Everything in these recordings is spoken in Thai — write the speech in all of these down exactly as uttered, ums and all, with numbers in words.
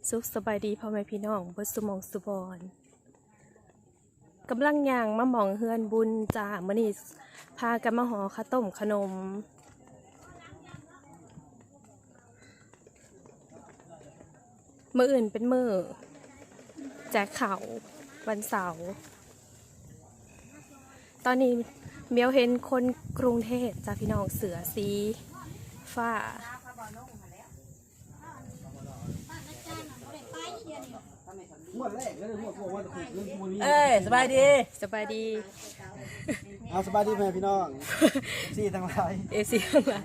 สุขสบายดีพ่อแม่พี่น้องบ่สุหมองสุบอนกำลังย่างมาหมองเฮือนบุญจ้ามื้อนี้พากันมาห่อข้าวต้มขนมมื้ออื่นเป็นมื้อแจกข้าววันเสาร์ตอนนี้เมียวเห็นคนกรุงเทพจ้าพี่น้องเสือสีฟ้าเอ้ยสบายดีสบายดีเอาสบายดีไหมพี่น้องซี่ทั้งหลายเอซีข้างหลัง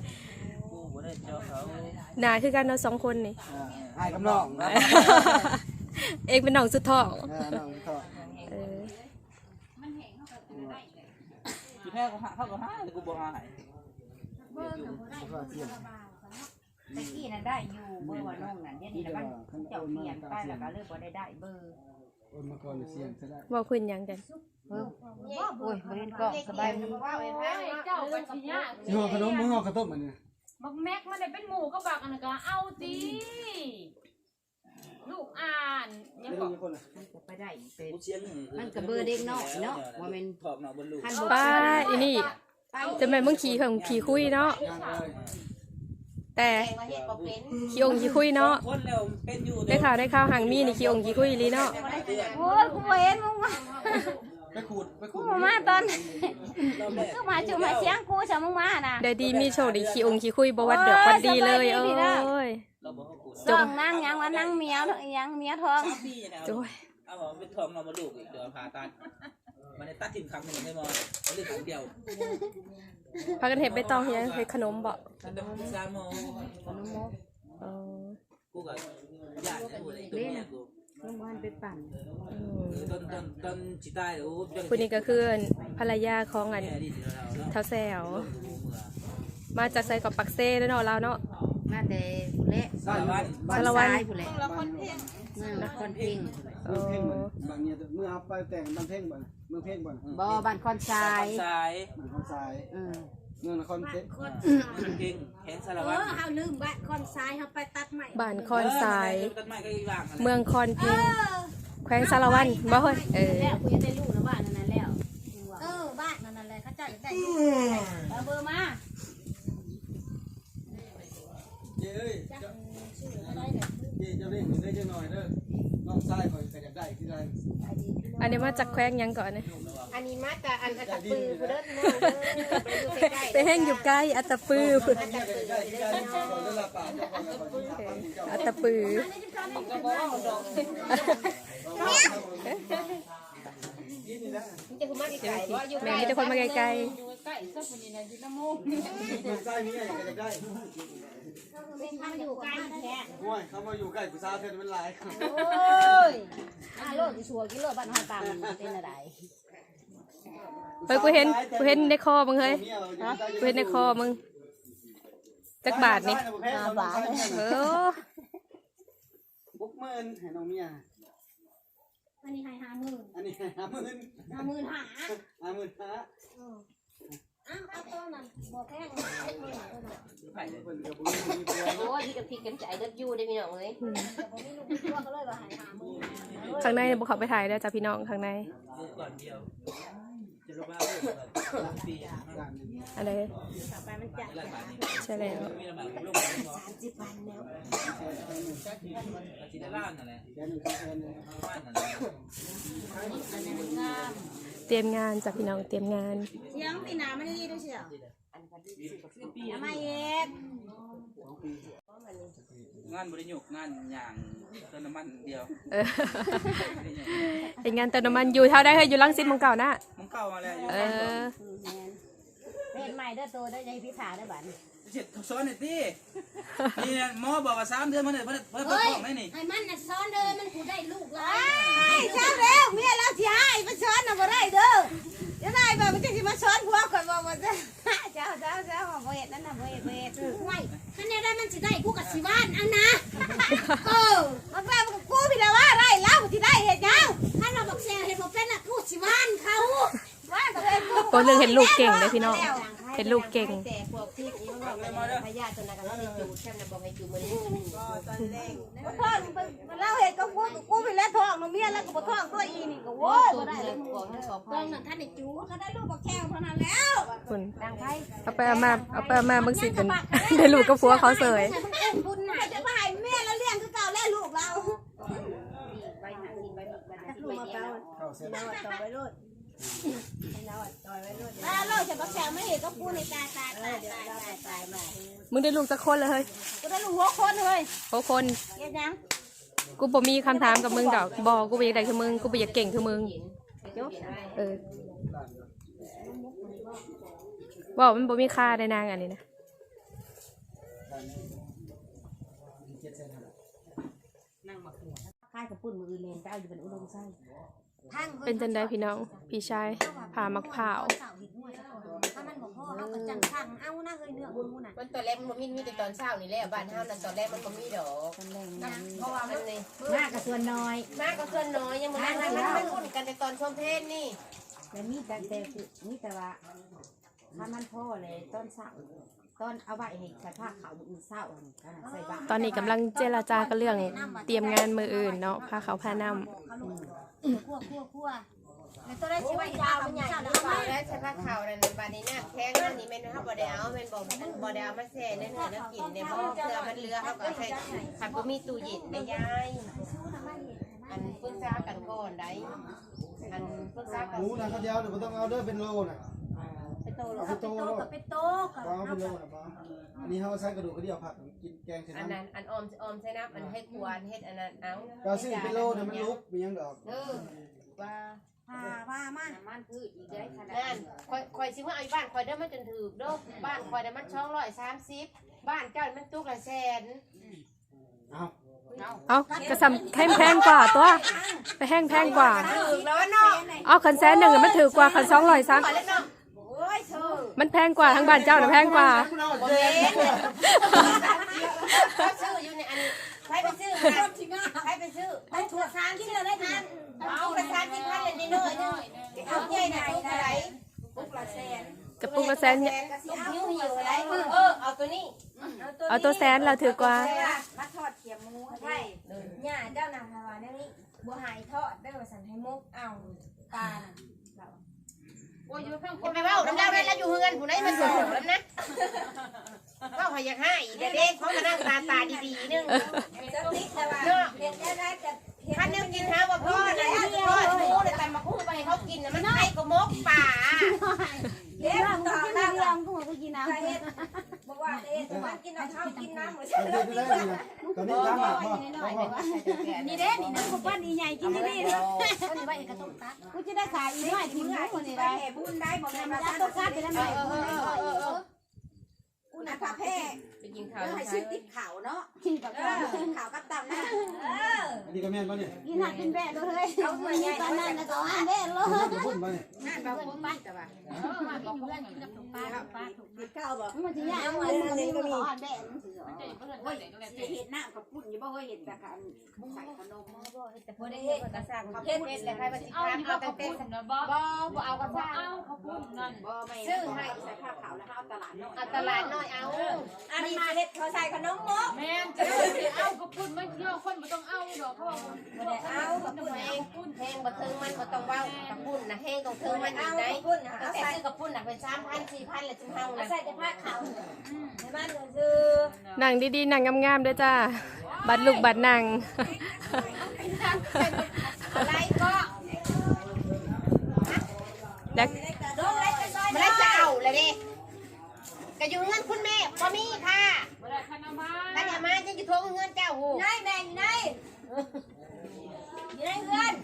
หนาคือกันเราสองคนนี่ไอ้กับน้องเองเป็นน้องสุดท้องน้องก็เออพี่แพ้ก็หาเขาก็หาแต่กูบ่หาให้ตะกี้นั่นได้อยู่เบอร์ว่าน้องนั่นเดี๋ยวนี้นะมันเจ้าเปลี่ยนไปแล้วก็เลยบ่ได้ได้เบอร์โอนมาก่อนเสียงซะได้ว่าพื้นยังกันเออโอ้ยบ่เห็นก็สบายดีเจ้าบัญชีเนี่ยสิห่อขนมมึงห่อข้าวต้มมันนี่บักแม็กมันได้เป็นหมูก็บักอันนั้นก็เอาตีลูกอ่านยังบอกมันก็ไปได้เป็นกูเสียงมันก็เบอร์เด็กน้อยเนาะว่ามันถอกเนาะบนลูกคันบ่ป้าอีนี่จะแม่นมึงขี่ของขี่คุยเนาะย่างเลยแต่ขี่องขี่คุยเนาะคนแล้วเป็นอยู่ได้ข่าวได้ข่าวหางมีนี่ขี่องขี่คุยลีเนาะโอ้ยกูบ่เห็นมึงมาไปขูดไปขูกูดบ่มาตอนเราแม่กูมาจุมาเสียงกูซะมึงมาน่ะได้ดีมีโชคดีขี่องขี่คุยบ่วัดเดือกวัดดีเลยโอ้ยเราบ่เขากูจงนั่งยังว่านั่งเมียยังเมียทองสามปีนะโจ้ยเอาเป็นทองเนาะบนลูกอีกเดี๋ยวผ่าตัดมันได้ตัดทิ้งครั้งนึงไม่มองเรื่องของเดียวพากันเห็ดใบตองเฮียเห็ดขนมบ่มันต้องสามโมงขนมมกเออกูก็ญาตินะกูเลยตัวเนี้ยกูมึงบ่ไปปั่นต้นต้นต้นจิตายโอ้คนนี้ก็คือภรรยาของอันแม่ดิเราเนาะเท้าแซวมาจากไซกับปักเซ่ด้วยเนาะเราเนาะมาแต่เละสารวัตรสารวัตรผู้เละละคนเพ่งเอเมืองเพ่งอบ่บางเนี่ยเมื่อเอาไปแต่งบางเพ่งบ่เมืองเพ่งบ่บ่บ้านคอนทรายสายบางคนทรายอือเมืองนครเพ่งเก่งแขนสารเอวัตรอเฮาลืมบ้านคอนทรายเฮาไปตัดใหม่บ้านคอนทรายต้นไม้ก็อีกอย่างเมืองคอนพิงแขวงสารวันบ่เฮ้ยเออแล้วกูจะได้ลูกนะบ้านนั้นแล้วเออบ้านนั่นแหละเขาเจ้าอยากได้ลูกเอาเบอร์มาเย้ยเจ้าเย้เจ้าเร่งได้จังหน่อยเด้อน้องชายข่อยก็อยากได้ที่ใดอันนี้มาจากแขวงหยังก่อนเนี่ยอันนี้มาแต่อันอัตตปือผู้เด้อน้องเด้อไปอยู่ใกล้ๆไปแห้งอยู่ใกล้อัตตปือได้ที่ใดที่ใดข่อยได้รับปากเจ้าข่อยก็สิทำอัตตปือมันจะคือมาไกลๆว่าอยู่แม่มีแต่คนมาไกลอยู่ใกล้สักคนนี้นะอยู่น้ำมูกเมืองใต้มีอะไรก็อยากได้มันอยู่ใกล้แท้โอ้ยเขามาอยู่ใกล้ผู้สาวเพิ่นมันหลายครับโอ้ยอ่าโลดสิชัวกิโลบ้านเฮาตามเป็นอะไรๆเฮ้ยกูเห็นกูเห็นในคอมึงเฮ้ยกูเห็นในคอมึงจักบาทนี่ห้าบาทเออบุกหมื่นให้น้องเมียอันนี้ให้ห้าหมื่นอันนี้ห้าหมื่นห้าหมื่นหาห้าหมื่นห้าอ้าวเอาตัวนั้นบ่แพงห้าหมื่นตัวนั้นไผ่เลยเพิ่นก็บ่มีมีตัวโอ้ยพี่กับพี่กันใจเด็ดอยู่ได้พี่น้องเอ้ยแต่บ่มีลูกมีตัวก็เลยว่าให้ห้าหมื่นข้างในเนี่ยบุกเข้าไปถ่ายแล้วจ้ะพี่น้องข้างในก่อนเดียวจะรู้ว่าเรื่องปีอะไรต่อไปมันจัดละบาทนี่ใช่แล้วมีละบาทลูกสามสิบพันแล้วอาชีพล้านนั่นแหละแค่นึงครับแค่นึงบ้านนั่นแหละเตรียมงานจ้ะพี่น้องเตรียมงานเสียงพี่นามันดีด้วยเชียวปีทำไมเอ็ดงานบริยุกงานอย่างเติมน้ำมันเดียวเออเป็นงานเติมน้ำมันอยู่เท่าได้เฮ้ยอยู่ลังสิตเมึงเก่านะมึงเก่ามาแล้วอยู่เออเป็นใหม่เด้อโตได้ใจพิธาได้บัดเสร็จซ้อนหน่อยสินี่หมอบอกว่าสามเดือนมันเลยเพิ่มเพิ่มเพิ่มไหมนี่ไอ้มันน่ะซ้อนเด้อมันกูได้ลูกหลายไอ้เจ้าเร็วเมียแล้วสิให้มาช้อนน่ะบ่ได้เด้อจะได้แบบมันจะสิมาช้อนผัวก่อนบ่ว่าจะเจ้าเจ้าเจ้าบ่เฮ็ดนั่นน่ะบ่เฮ็ดบ่เฮ็ดไว้คันแนได้มันสิได้กูกับสิบ้านอันนะเออมันว่ากูพี่ละว่าได้แล้วสิได้เฮ็ดหยังถ้าเราบอกแซงเห็นบอกเป็นน่ะกูสิบ้านเขาว่าก็เฮ็ดกูก็เรื่องเห็นลูกเก่งเลยพี่น้องเห็นลูกเก่งแต่พวกที่นี่มันไม่มาเด้อพญาตัวนั้นก็ได้จูดแค่นั้นบอกให้จูดมื้อนี้ก็ตอนแรกบ่ท้องมันเล่าเฮ็ดก็กูกูไปแล้วท้องเมียแล้วก็บ่ท้องตัวอีนี่ก็โว้ยบ่ได้เลยบอกให้ขอต้พัองงนั่นท่านได้จูก็ได้ลูกบักแก้วเท่านั้นแล้วคุณดังไผเอาไปเอามาเอาไปเอามาบางสิเป็นได้ลูกกับผัวเขาเสยบุญน่ะจะมาให้แม่แล้วเลี้ยงคือเก่าแล้วลูกเราไปหากินไปแบบนั้นลูกมาเก่าเข้าเส้นเราต่อไว้ลูกเราต่อไว้ลูกแล้วลูกจะบักแก้วไม่เห็นก็กูในตายตายตายตายตายตายมามึงได้ลูกสักคนเลยเฮ้ยกูได้ลูกหัวคนเฮ้ยโอ้คนเฮ็ดยังกูบ่มีคำถามกับมึงดอกบอกกูบ่อยากได้คือมึงกูบ่อยากเก่งคือมึงเออบอกมันบ่มีค่าได้นางอันนี้นะเจ็ดเส้นครับค่ายกับปุ่นมืออื่นเลนไปเอาอยู่เป็นอุดมไส้เป็นจันได้พี่น้องพี่ชายพามักเผาวถ้ามันบอกพ่อเขาก็จังสั่งเอานะเฮ้ยเนื้อบุญมูน่ะมันตอนแรกมันบ่มีมีแต่ตอนเช้านี่แหละบ้านเฮานั่นตอนแรกมันบ่มีดอกตอนแรกเพราะว่ามันนี่มากกับส่วนน้อยมากก็ส่วนน้อยยังบ่ได้มันมันอุ่นกันในตอนชมเพลนนี่แต่มีแต่แต่คือมีแต่ว่าถ้ามันพ่อเลยต้นเสาต้นเอาไว้ให้ใส่ผ้าขาวมืออื่นเศร้าใส่บาตรตอนนี้กำลังเจรจากันเรื่องเตรียมงานมืออื่นเนาะพาเขาพานำคั่วคั่วคั่วแล้วตัวได้สิไว้ยาวมันใหญ่แล้วเอาแล้วใส่ผ้าขาวนั่นบาดนี้น้ำแข็งอันนี้แม่นเฮาบ่ได้เอาแม่นบ่บ่ได้เอามาแช่ในเนื้อน้ำกินในบ่เพื่อมันเหลือเฮาก็ใส่คันบ่มีตู้เย็นได้ยายอันปรึกษากันก่อนได้อันปรึกษากันหมูนะเขาเดียวเดี๋ยวต้องเอาเด้อเป็นโลนะไปโตเอาแล้วเป็นโตโตโลกับเป็นโตกับเอาเป็นโลนะป้าอันนี้เขาใส่กระดูกกระเดี่ยวผักกินแกงเสร็จอันแล้นั้นอันออมออมใส่น้ำอันให้ควรเฮ็ดอันนั้นเอาก็ซื้อเป็นโลเนี่ยมันลุกมียังดอกเออว่าพาพามามันคืออีกได้ขนาดนั้นคอยคอยสิว่าเอาบ้านคอยเด้อมันจนถือเด้อบ้านคอยได้มันช่องร้อยสามสิบบ้านเจ้ามันตุกละแสนเอาเอากระซำแพงแพงกว่าตัวไปแห้งแพงกว่าถือแล้วเนาะเอาคันแสนหนึ่งอะมันถือกว่าคันสองร้อยซะขอเล่นเนาะโอ้ยเธอมันแพงกว่าทั้งบ้านเจ้าน่ะแพงกว่าบ่เล่นเขาซื้ออยู่ในอันใครไปซื้อมาใครไปซื้อได้ถั่วสามที่เราได้ทานเอาไปสามสิบพันเลยนิดหน่อยนึงเอาใหญ่น่ะตุกอะไรปุ๊กละแสนกระปุกละแสนเนี่ยตุกหิ้วหิ้วอะไรเออเอาตัวนี้เอาตัวแสนเราถือกว่ามาทอดเขียหมูใช่ย่าเจ้านางพาวาเนี่ยนี่บัวหายทอดได้มาสั่นให้มุกเอาปลาโอ้ยอยู่ข้างคอย่าน ไปเว้าน้ำดาวได้แล้วอยู่เฮือนผู้ใดมาส่งแล้วนะเว้าให้อยากให้เด็กๆเขามานั่งตาตาดีๆนึงจะติ๊กแต่ว่าเห็นได้ได้แต่คันนึงกินหาว่าพ่อนะพ่อหมูเลยแต่มาคู่ไปให้เขากินนะมันไข่ก็มกป่าเฮ็ดต่อแล้วลองกูก็กินน้ำเฮ็ดบอกว่าเฮ็ดมันกินน้ำเช้ากินน้ำเหมือนเอาเด็ดได้เลยนะตอนนี้ตามหลักพ่อพ่อนี่เด้นี่นะกูปั้นอีใหญ่กินนี่นี่เนาะคนไว้กระตุ้งตัดกูจะได้ขายอีน้อยกินหมูคนนี้ได้บุญได้บอกแม่มาตัดต้นตัดไปแล้วเอแม่อเออเออเออเออกูน่ะผ้าแพ้ไปกินข้าวให้ชื่อติ๊กขาวเนาะกินกับข้าวกินขาวกับตับนะเอออันนี้ก็แม่นป่ะเนี่ยกินหักกินแบะเลยเอาตัวใหญ่ตอนนั้นแล้วก็อันแบะเลยจะพูดป่ะเนี่ยงานเราคุ้มบ้านแต่ว่าเออมาบอกเพื่อนกินกับปลาปลาถูกข้าวบอกมันจะยากมันนี่ก็มีอันแบะมันสิมันจะอยู่เพื่อนโอ้ยเด็กก็แล้วสิเห็ดน้ำกับปุ่นอยู่บ่เคยเห็นแต่กันใส่ขนมแต่พอได้เฮ็ดก็สั่งเขาเฮ็ดเลยใครมาสิเอาค้าอยู่เอากับแต่เขาเต้พูดนะบ่บ่บ่เอากระซ่าเอาเขาพูดนั่นบ่ไม่ใส่ผ้าขาวแล้วเอาตลาดน้อยเอาตลาดน้อยเอาอันนี้เห็ดเขาใส่ขนมมกแม่นจะเอาเขาพูดมันเยอะคนไม่ต้องเอาดอกเขาบอกบ่ได้เอากับปุ่นแห้งแห้งบ่ถึงมันบ่ต้องเว้ากับปุ้นน่ะแห้งต้องถึงมันอีกได้ก็ใส่ซื้อกับปุ้นน่ะเป็นสามพัน สี่พันแล้วจึงเฮาน่ะใส่แต่ผ้าขาวให้มันคือหนังดีๆหนังงามๆด้วยจ้าบัดลูกบัดหนังอะไรก็แล้วโดนเล็กไปซอยมาแล้วจะเอาเลยดิก็อยู่เงินคุณแม่บ่มีค่ะบ่ได้คันเอามาถ้าอย่ามาจะอยู่โทรเงินเจ้าหูไหนแม่อยู่ไหนอยู่ไหนเพื่อน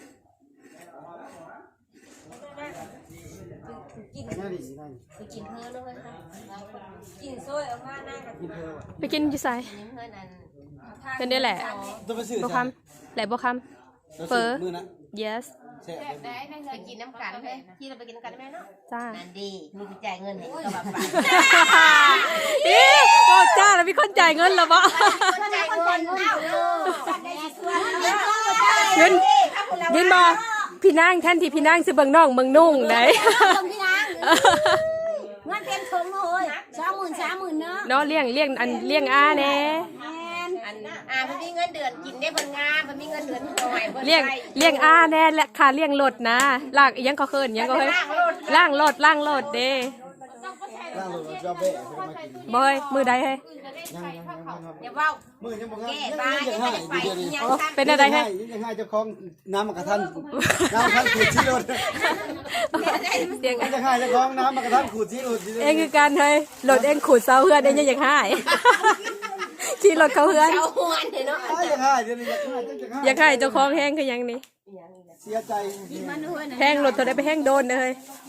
กินง่ายดีง่ายไปกินเพิ่นเนาะเฮ้ยค่ะกินซอยออกมาหน้ากับกินเธอว่ะไปกินอยู่ไสกินเพิ่นอันเป็นได้แหละต้องไปซื้อบ่คำแหละบ่คำเฟอมือนะ yes แซ่บได้ได้ไปกินน้ำกันเฮ้ยที่เราไปกินน้ำกันได้ไหมเนาะจ้านั่นดีมีไปจ่ายเงินให้ก็แบบไปอีโอ้จ้าแล้วมีคนจ่ายเงินแล้วบ่คนจ่ายเงินเอ้าจัดได้ส่วนเงินเงินบ่พี่นางแทนที่พี่นางสิเบิ่งน้องเบิ่งนุ่งได้ต้องพี่นางเงินเต็มถุงเลยสองหมื่นสามหมื่นเนาะเนาะเลี้ยงเลี้ยงอันเลี้ยงอาแน่อันอ่าเพิ่นมีเงินเดือนกินได้เพิ่นงามเพิ่นมีเงินเดือนหน่อยเพิ่นเลี้ยงใช้เลี้ยงอาแน่และค่าเลี้ยงรถนะลากอิหยังก็เคินอิหยังก็เคินล่างรถล่างรถเด้ร่างรถจะเบะไปมากินบ่เฮ้ยมือใดเฮ้ยยังยังยังครับอย่าเว้ามือยังบ่แก้ยังบ้ายังยัยัง งไม่ให้ได้ไปเดี๋ยวนี้ยังโอ้ทันเป็นอะไรเฮ้ยยังให้เจ้าของน้ำมะกระทันน้ำมะกระทันขูดชี้รถเสียงยังให้เจ้าของน้ำมะกระทันขูดชี้รถเองคือการเฮ้ยรถเองขูดเสาเฮือนเองยังอยากหายขี่รถเขาเฮือนเจ้าหวนเนาะยังให้เดี๋ยวนี้ยังให้ยังให้อยากให้เจ้าของแห้งคือหยังนี่เสียใจแห้งรถเท่าได้ไปแห้งโดนเลย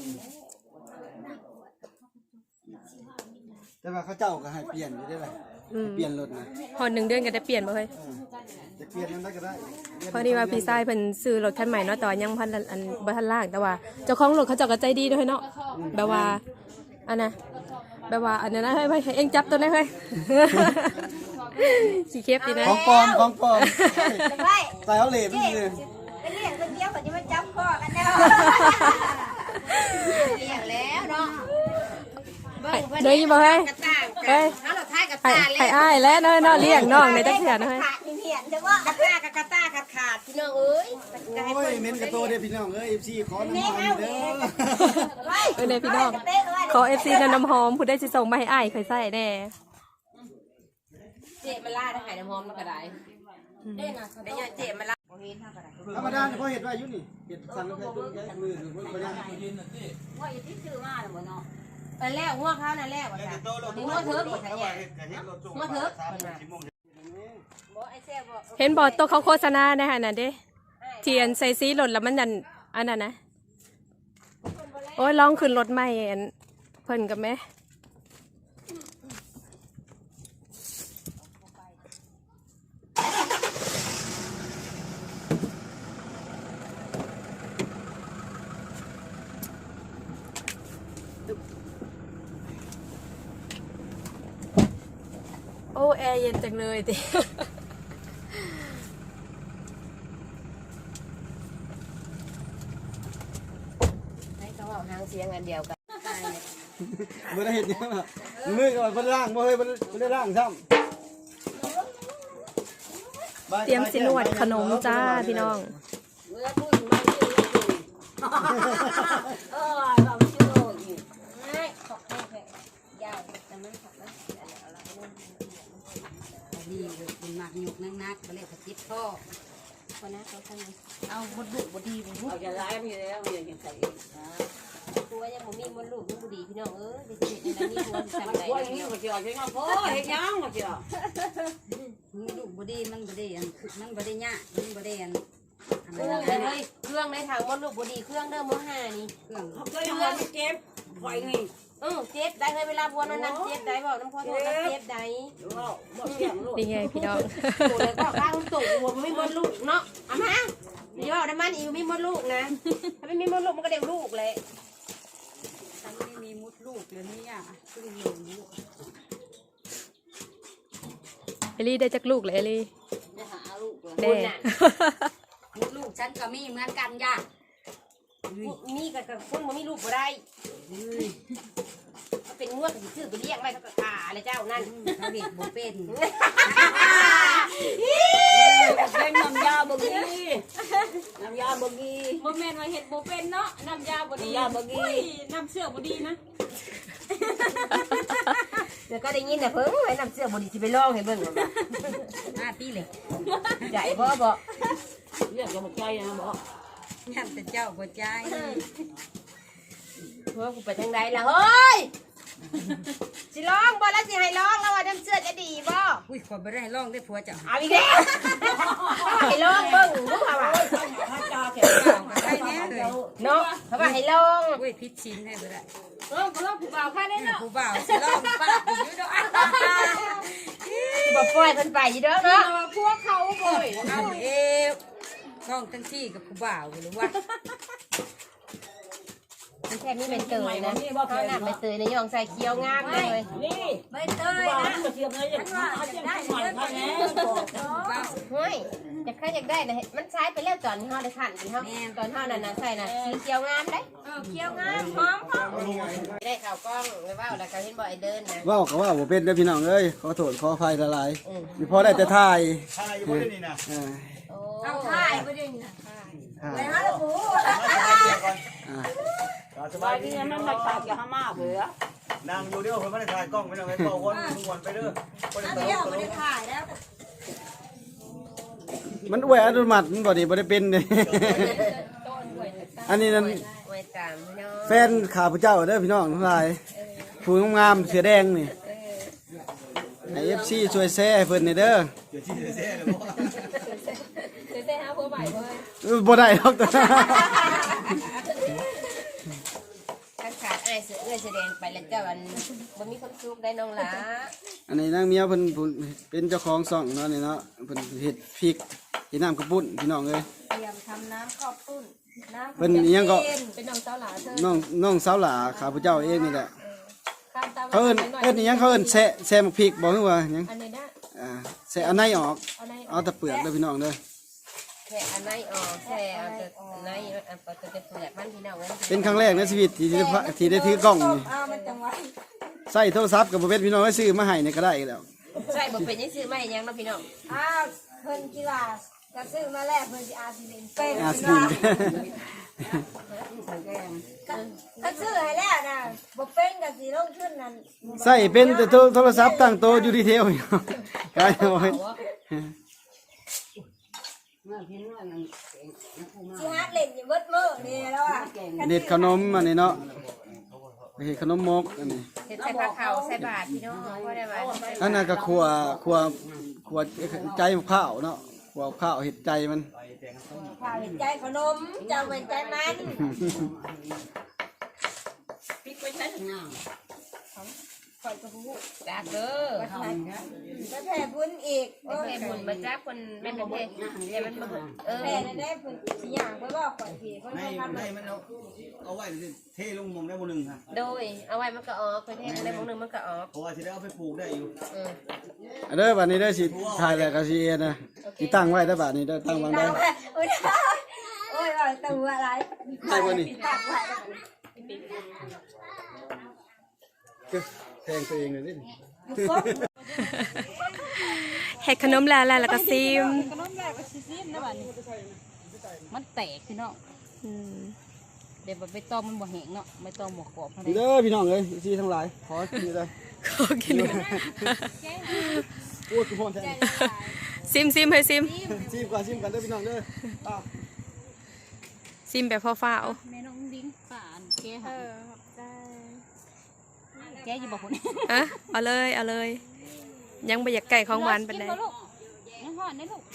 แต่ว่าเขาเจ้าก็ให้เปลี่ยนอยู่ได้ไหมเปลี่ยนรถนะพอหนึ่งเดือนก็ได้เปลี่ยนบ่เฮ้ยจะเปลี่ยนนั้นได้ก็ได้พอดีว่าพี่ชายเพิ่นซื้อรถคันใหม่เนาะแต่ว่ายังพันอันบ่ทันล่างแต่ว่าเจ้าของรถเขาเจ้าก็ใจดีด้วยเนาะแบบว่าอันน่ะแบบว่าอันนั้นนะเฮ้ยเองจับตัวนั้นเฮ้ยสิเคฟดีนะของปลอมของปลอมไปใส่เอาเหล็กนี่เลยไปเลี้ยงคนเดียวเขาจะมาจับคอกันแล้วเลี้ยงแล้วเนาะเบิ่งเพิ่นเดี๋ยวนี้บ่เฮ้ยกระต่างเฮ้ยเฮาเราทายกระให้ต่างแล้ให้วอ้ายแล้วเนาะเนาะเลี้ยงน้องในจักเทื่อนะเฮ้ยขาดเหียนจังว่ากระต่างกับกระต่างขาดขาดพี่น้องเอ้ยจะให้โอ้ยเพิ่นเน้นกระโตเด้พี่น้องเอ้ยเอฟซีขอน้ำมันเด้อเออเนี่ยพี่น้องขอ เอฟ ซี น้ำหอมผู้ได้สิส่งมาให้อ้ายเคยใส่แน่เจ็บมาล่าถ้าหายน้ำหอมมันก็ได้เด้นะได้ยาเจ็บมาล่าบ่เห็นเท่าก็ได้ธรรมดาเพราะเห็ดว่ายุ่นี่เห็ดสั่งแล้วก็ย้ายมือหรือว่าย้ายว่าอยู่ที่ซื้อมาหรือเปล่าเนาะไปแล้วหัวเขานั่นแล้วว่าจ้ะหัวเถิกว่าซั่นเนี่ยหัวเถิกเพิ่นน่ะบ่ไอ้แซ่บบ่เห็นบอตัวเขาโฆษณาในฮะน่ะเด้เทียนใส่สีหล่นแล้วมันดันอันนั้นนะโอ้ยลองขึ้นรถใหม่อันเพิ่นกับแม่โอ้แอร์เย็นจังเลยติให้เขาเอาหางเสียงอันเดียวกันเมื่อได้เห็ดเนี่ยมือก่อนเพิ่นล่างบ่เฮ้ยเพิ่นได้ล่างซ้ำเตรียมสินวดขนมจ้าพี่น้องเออเราชื่อโลกอยู่ไม่ขอบคุณแค่ยาวแต่มันขับแล้วเอาละเอาละดีเลยเป็นมากยกนักๆไปเลยกระติบพ่อคนนะเขาทำไงเอาบดดุบดดีบดดุเราจะร้ายมีแล้วมีอย่างใส่ตัวยังบ่มีมดลูกมันบ่ดีพี่น้องเอ้ยเด็กๆในนั้นมีตัวที่ทำได้ว่าอย่างนี้มันจะเอาใช่ไหมพ่อเฮ็ดยังมันจะมันดุบดีมันบดดีอันมันบดดีเนี่ยมันบดดีอันอันเคนั้รื่อน งอะไรเลยเครื่องในทางมดลูกบ่ดีเครื่องเด้อมื้อห้านี่เครื่องเขาเคยทำอะไรเจ็บไฟนี่เออเจ็บได้เลยเวลาบัวนั้นนั้นเจ็บได้บอกน้ำพอโทษนะเจ็บได้เราหมดเสียงลูกนี่ไงพี่น้องโอ้เลยก็ข้างตุ่หัวมันไม่มดลูกเนาะเอามาเดี๋ยวน้ำมันอีกไม่มดลูกนะถ้าไม่มีมดลูกมันก็เด็กลูกเลยฉันไม่มีมุดลูกเลยเนี่ยเพิ่งอยู่ลูกเอลี่ได้จักลูกเลยเอลี่จะหาลูกเลยแน่มุดลูกฉันก็มีเหมือนกันย่ามีกับกับคนมันมีลูกบ่ได้เขาเป็นงวดกับชื่อไปเรียกไว้เขาก็ขาอะไรเจ้านั่นเขาเด็กบ่เป็นเป็นน้ำยาบกีน้ำยาบกีบ่แม่นว่าเฮ็ดบ่เป็นเนาะน้ำยาบ่ดีน้ำยาบกีอุ้ยน้ำเชื่อบ่ดีนะเดี๋ยวก็ได้ยินแต่เพิ่งไว้นำเสื้อบดีที่ไปลองให้เบิ่งว่าหน้าพี่เลยใหญ่บ่บ่เรียกกับใจนะบอกยันแต่เจ้าบ่ใจเฮ้ยกูไปทางใดล่ะเฮ้ยสิร้องบ่แล้วสิให้ร้องแล้วว่าน้ำเสื้อจะดีบ่อุ้ยขอไปได้ร้องได้ผัวเจ้าเอาอีกแล้วให้ร้องเบิ่งรู้ป่าวว่าถ้าจ่าแขกเจ้าก็ใช่แน่เลยเนาะเพราะว่าให้ร้องอุ้ยพิษชินให้ไปได้เออบ่ลองผู้บ่าวค่าได้เนาะผู้บ่าวสิร้องป้าอยู่ดอกบ่ปล่อยเพิ่นไปอยู่เด้อเนาะพวกเขาบ่อยเอาเอวร้องทั้งที่กับผู้บ่าวหรือว่ามันแค่นี้เป็นเตยนะเขาหน้าเป็นเตยในย่องใส่เคี้ยวงามเลยนี่ไม่เตยว่านะมันเทียมเลยอย่างนี้เอาเทียมใหม่พันแน่ผู้บ่าวเฮ้ยจะใครอยากได้นะมันใช้ไปแล้วตอนที่เฮาได้ขันที่เฮาตอนเฮานั่นน่ะใส่น่ะสีเขียวงามได้เออเคี้ยวงามหอมหอมได้ข่าวกล้องไว้ว่าแล้วก็เห็นบ่ไอ้เดินนะเว้าก็ว่าบ่เป็นเด้อพี่น้องเอ้ยขอโทษขออภัยหลายๆมีพอได้แต่ถ่ายถ่ายอยู่บ่ได้นี่นะอ่าโอ้เอาถ่ายบ่ได้นี่อ่าไปหาละปูอ่าสบายดีมันมาถ่ายกับฮามาเผื่อนั่งอยู่เดียวเพิ่นบ่ได้ถ่ายกล้องไปนั่งให้เป่าวนวนไปเด้อบ่ได้อันตลเดียวกตบ่ลได้กถ่ายแล้วมันอวยอัตโนมัติมันบ่ได้บ่ได้เป็นเด้ อันนี้นั่นไว้ตามพี่น้องแฟนข้าพเจ้าเด้อพี่น้องทั้งหลายผู้งามๆเสือแดงนี่ไอ เอฟ ซี ช่วยแชร์ให้เพิ่นนี่เด้อเดี๋ยวที่จะแซ่เลยบ่เดี๋ยวได้หาผัวใหม่เว้ยเออบ่ได้หรอกตัวถ้าขาดอ้ายเสือเอื้อแสดงไปแล้วเจ้าอันบ่มีความสุขได้น้องหลาอันนี้นางเมียเพิ่นผู้เป็นเจ้าของช่องเนาะนี่เนาะเพิ่นเฮ็ดพริกเฮ็ดน้ำกระปุ้นพี่น้องเอ้ยเตรียมทำน้ำข้าวปุ้นน้ำเพิ่นอิหยังก็เป็นน้องสาวหลาเธอน้องน้องสาวหลาข้าพเจ้าเองนี่แหละข้ามตามเขาเอิ้นเอิ้นอิหยังเขาเอิ้นแซะแซะหมกพริกบ่ฮู้ว่าหยังอันนี้นะอ่าแซะอันไหนออกเอาในเอาแต่เปลือกเด้อพี่น้องเด้อแค่อันไหนออกแค่เอาแต่อันไหนอันปกติเปลือกมันพี่น้องเอ้ยเป็นครั้งแรกในชีวิตที่ได้พะที่ได้ถือกล้องนี่เอามันจังไว้ใส่โทรศัพท์ก็บ่เป็นพี่น้องให้ซื้อมาให้นี่ก็ได้แล้วใช่บ่เป็นยังซื้อมาให้ยังเนาะพี่น้องอ้าวเพิ่นกีฬาจะซื้อมาแล้วเพิ่นสิอาสิเล่นเป็นอาสลินถ้าซื้อให้แล้วนะบ่เป็นก็สิลงทุนนั่นใส่เป็นแต่โทรโทรศัพท์ตั้งโตะอยู่ดีเทลอยู่ กลายเป็นว่าสิหาเล่นอยู่เบิดมื้อนี่แล้วอ่ะเด็ดขนมอันนี้เนาะเฮ็ดขนมมกอันนี้เฮ็ดใส่ผ้าขาวใส่บาตรพี่น้องบ่ได้ว่าอันนั้นก็ครัวครัวครัวใจมะพร้าวเนาะครัวข้าวเห็ดใจมันข้าวเห็นใจขนมเจ้าเป็นใจมันปิดไว้ใช้งามข่อยก็ฮู้จ้าเด้อไปแผ่บุญอีกโอเคบุญมาจ้าคนแม่นเทศเดี๋ยวมันบ่เออแผ่ได้เพิ่นสิย่างไปบอกข่อยพี่เพิ่นให้บ่ทำให้มันเอาเอาไว้เทลงมองได้บ่นึงฮะโดยเอาไว้มันก็ออกไปเทศในมื้อนึงมันก็ออกเพราะว่าสิได้เอาไปปลูกได้อยู่เอออันเด้อบัดนี้เด้อสิถ่ายแล้วก็สิเอ็นนะสิตั้งไว้ได้อบัดนี้เด้อตั้งวางได้โอ้ยโอ้ยว่าตัวอะไรได้บ่นี่ตักไว้แทงตัวเองเลยดิเฮ็ดขนมแล้วแล้วก็ซิมขนมแรกก็สิซิมนะบัดนี้มันแตกพี่น้องอืมเดี๋ยวใบตองมันบ่แห้งเนาะใบตองบ่กรอบเท่าไหร่เด้อพี่น้องเอ้ยสิทั้งหลายขอกินเลยขอกินพูดทุกคนแทนซิมซิมให้ซิมซิมก่อนซิมกันเด้อพี่น้องเด้ออ้าวซิมแบบฟ้าวแม่น้องดิ้งป่านแกเออแกอยู่บ่คนๆอะเอาเลยเอาเลย ยังบ่อยากไก่ของหวานปานใดลูกยังห่อนได้ลูก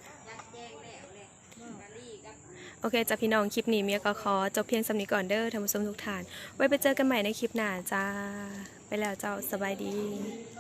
โอเคจ้ะพี่น้องคลิปนี้เมียก็ขอจบเพียงสำนี้ก่อนเด้อท่านผู้ชมทุกท่าน ไว้ไปเจอกันใหม่ในคลิปหน้าจ้า ไปแล้วเจ้าสบายดี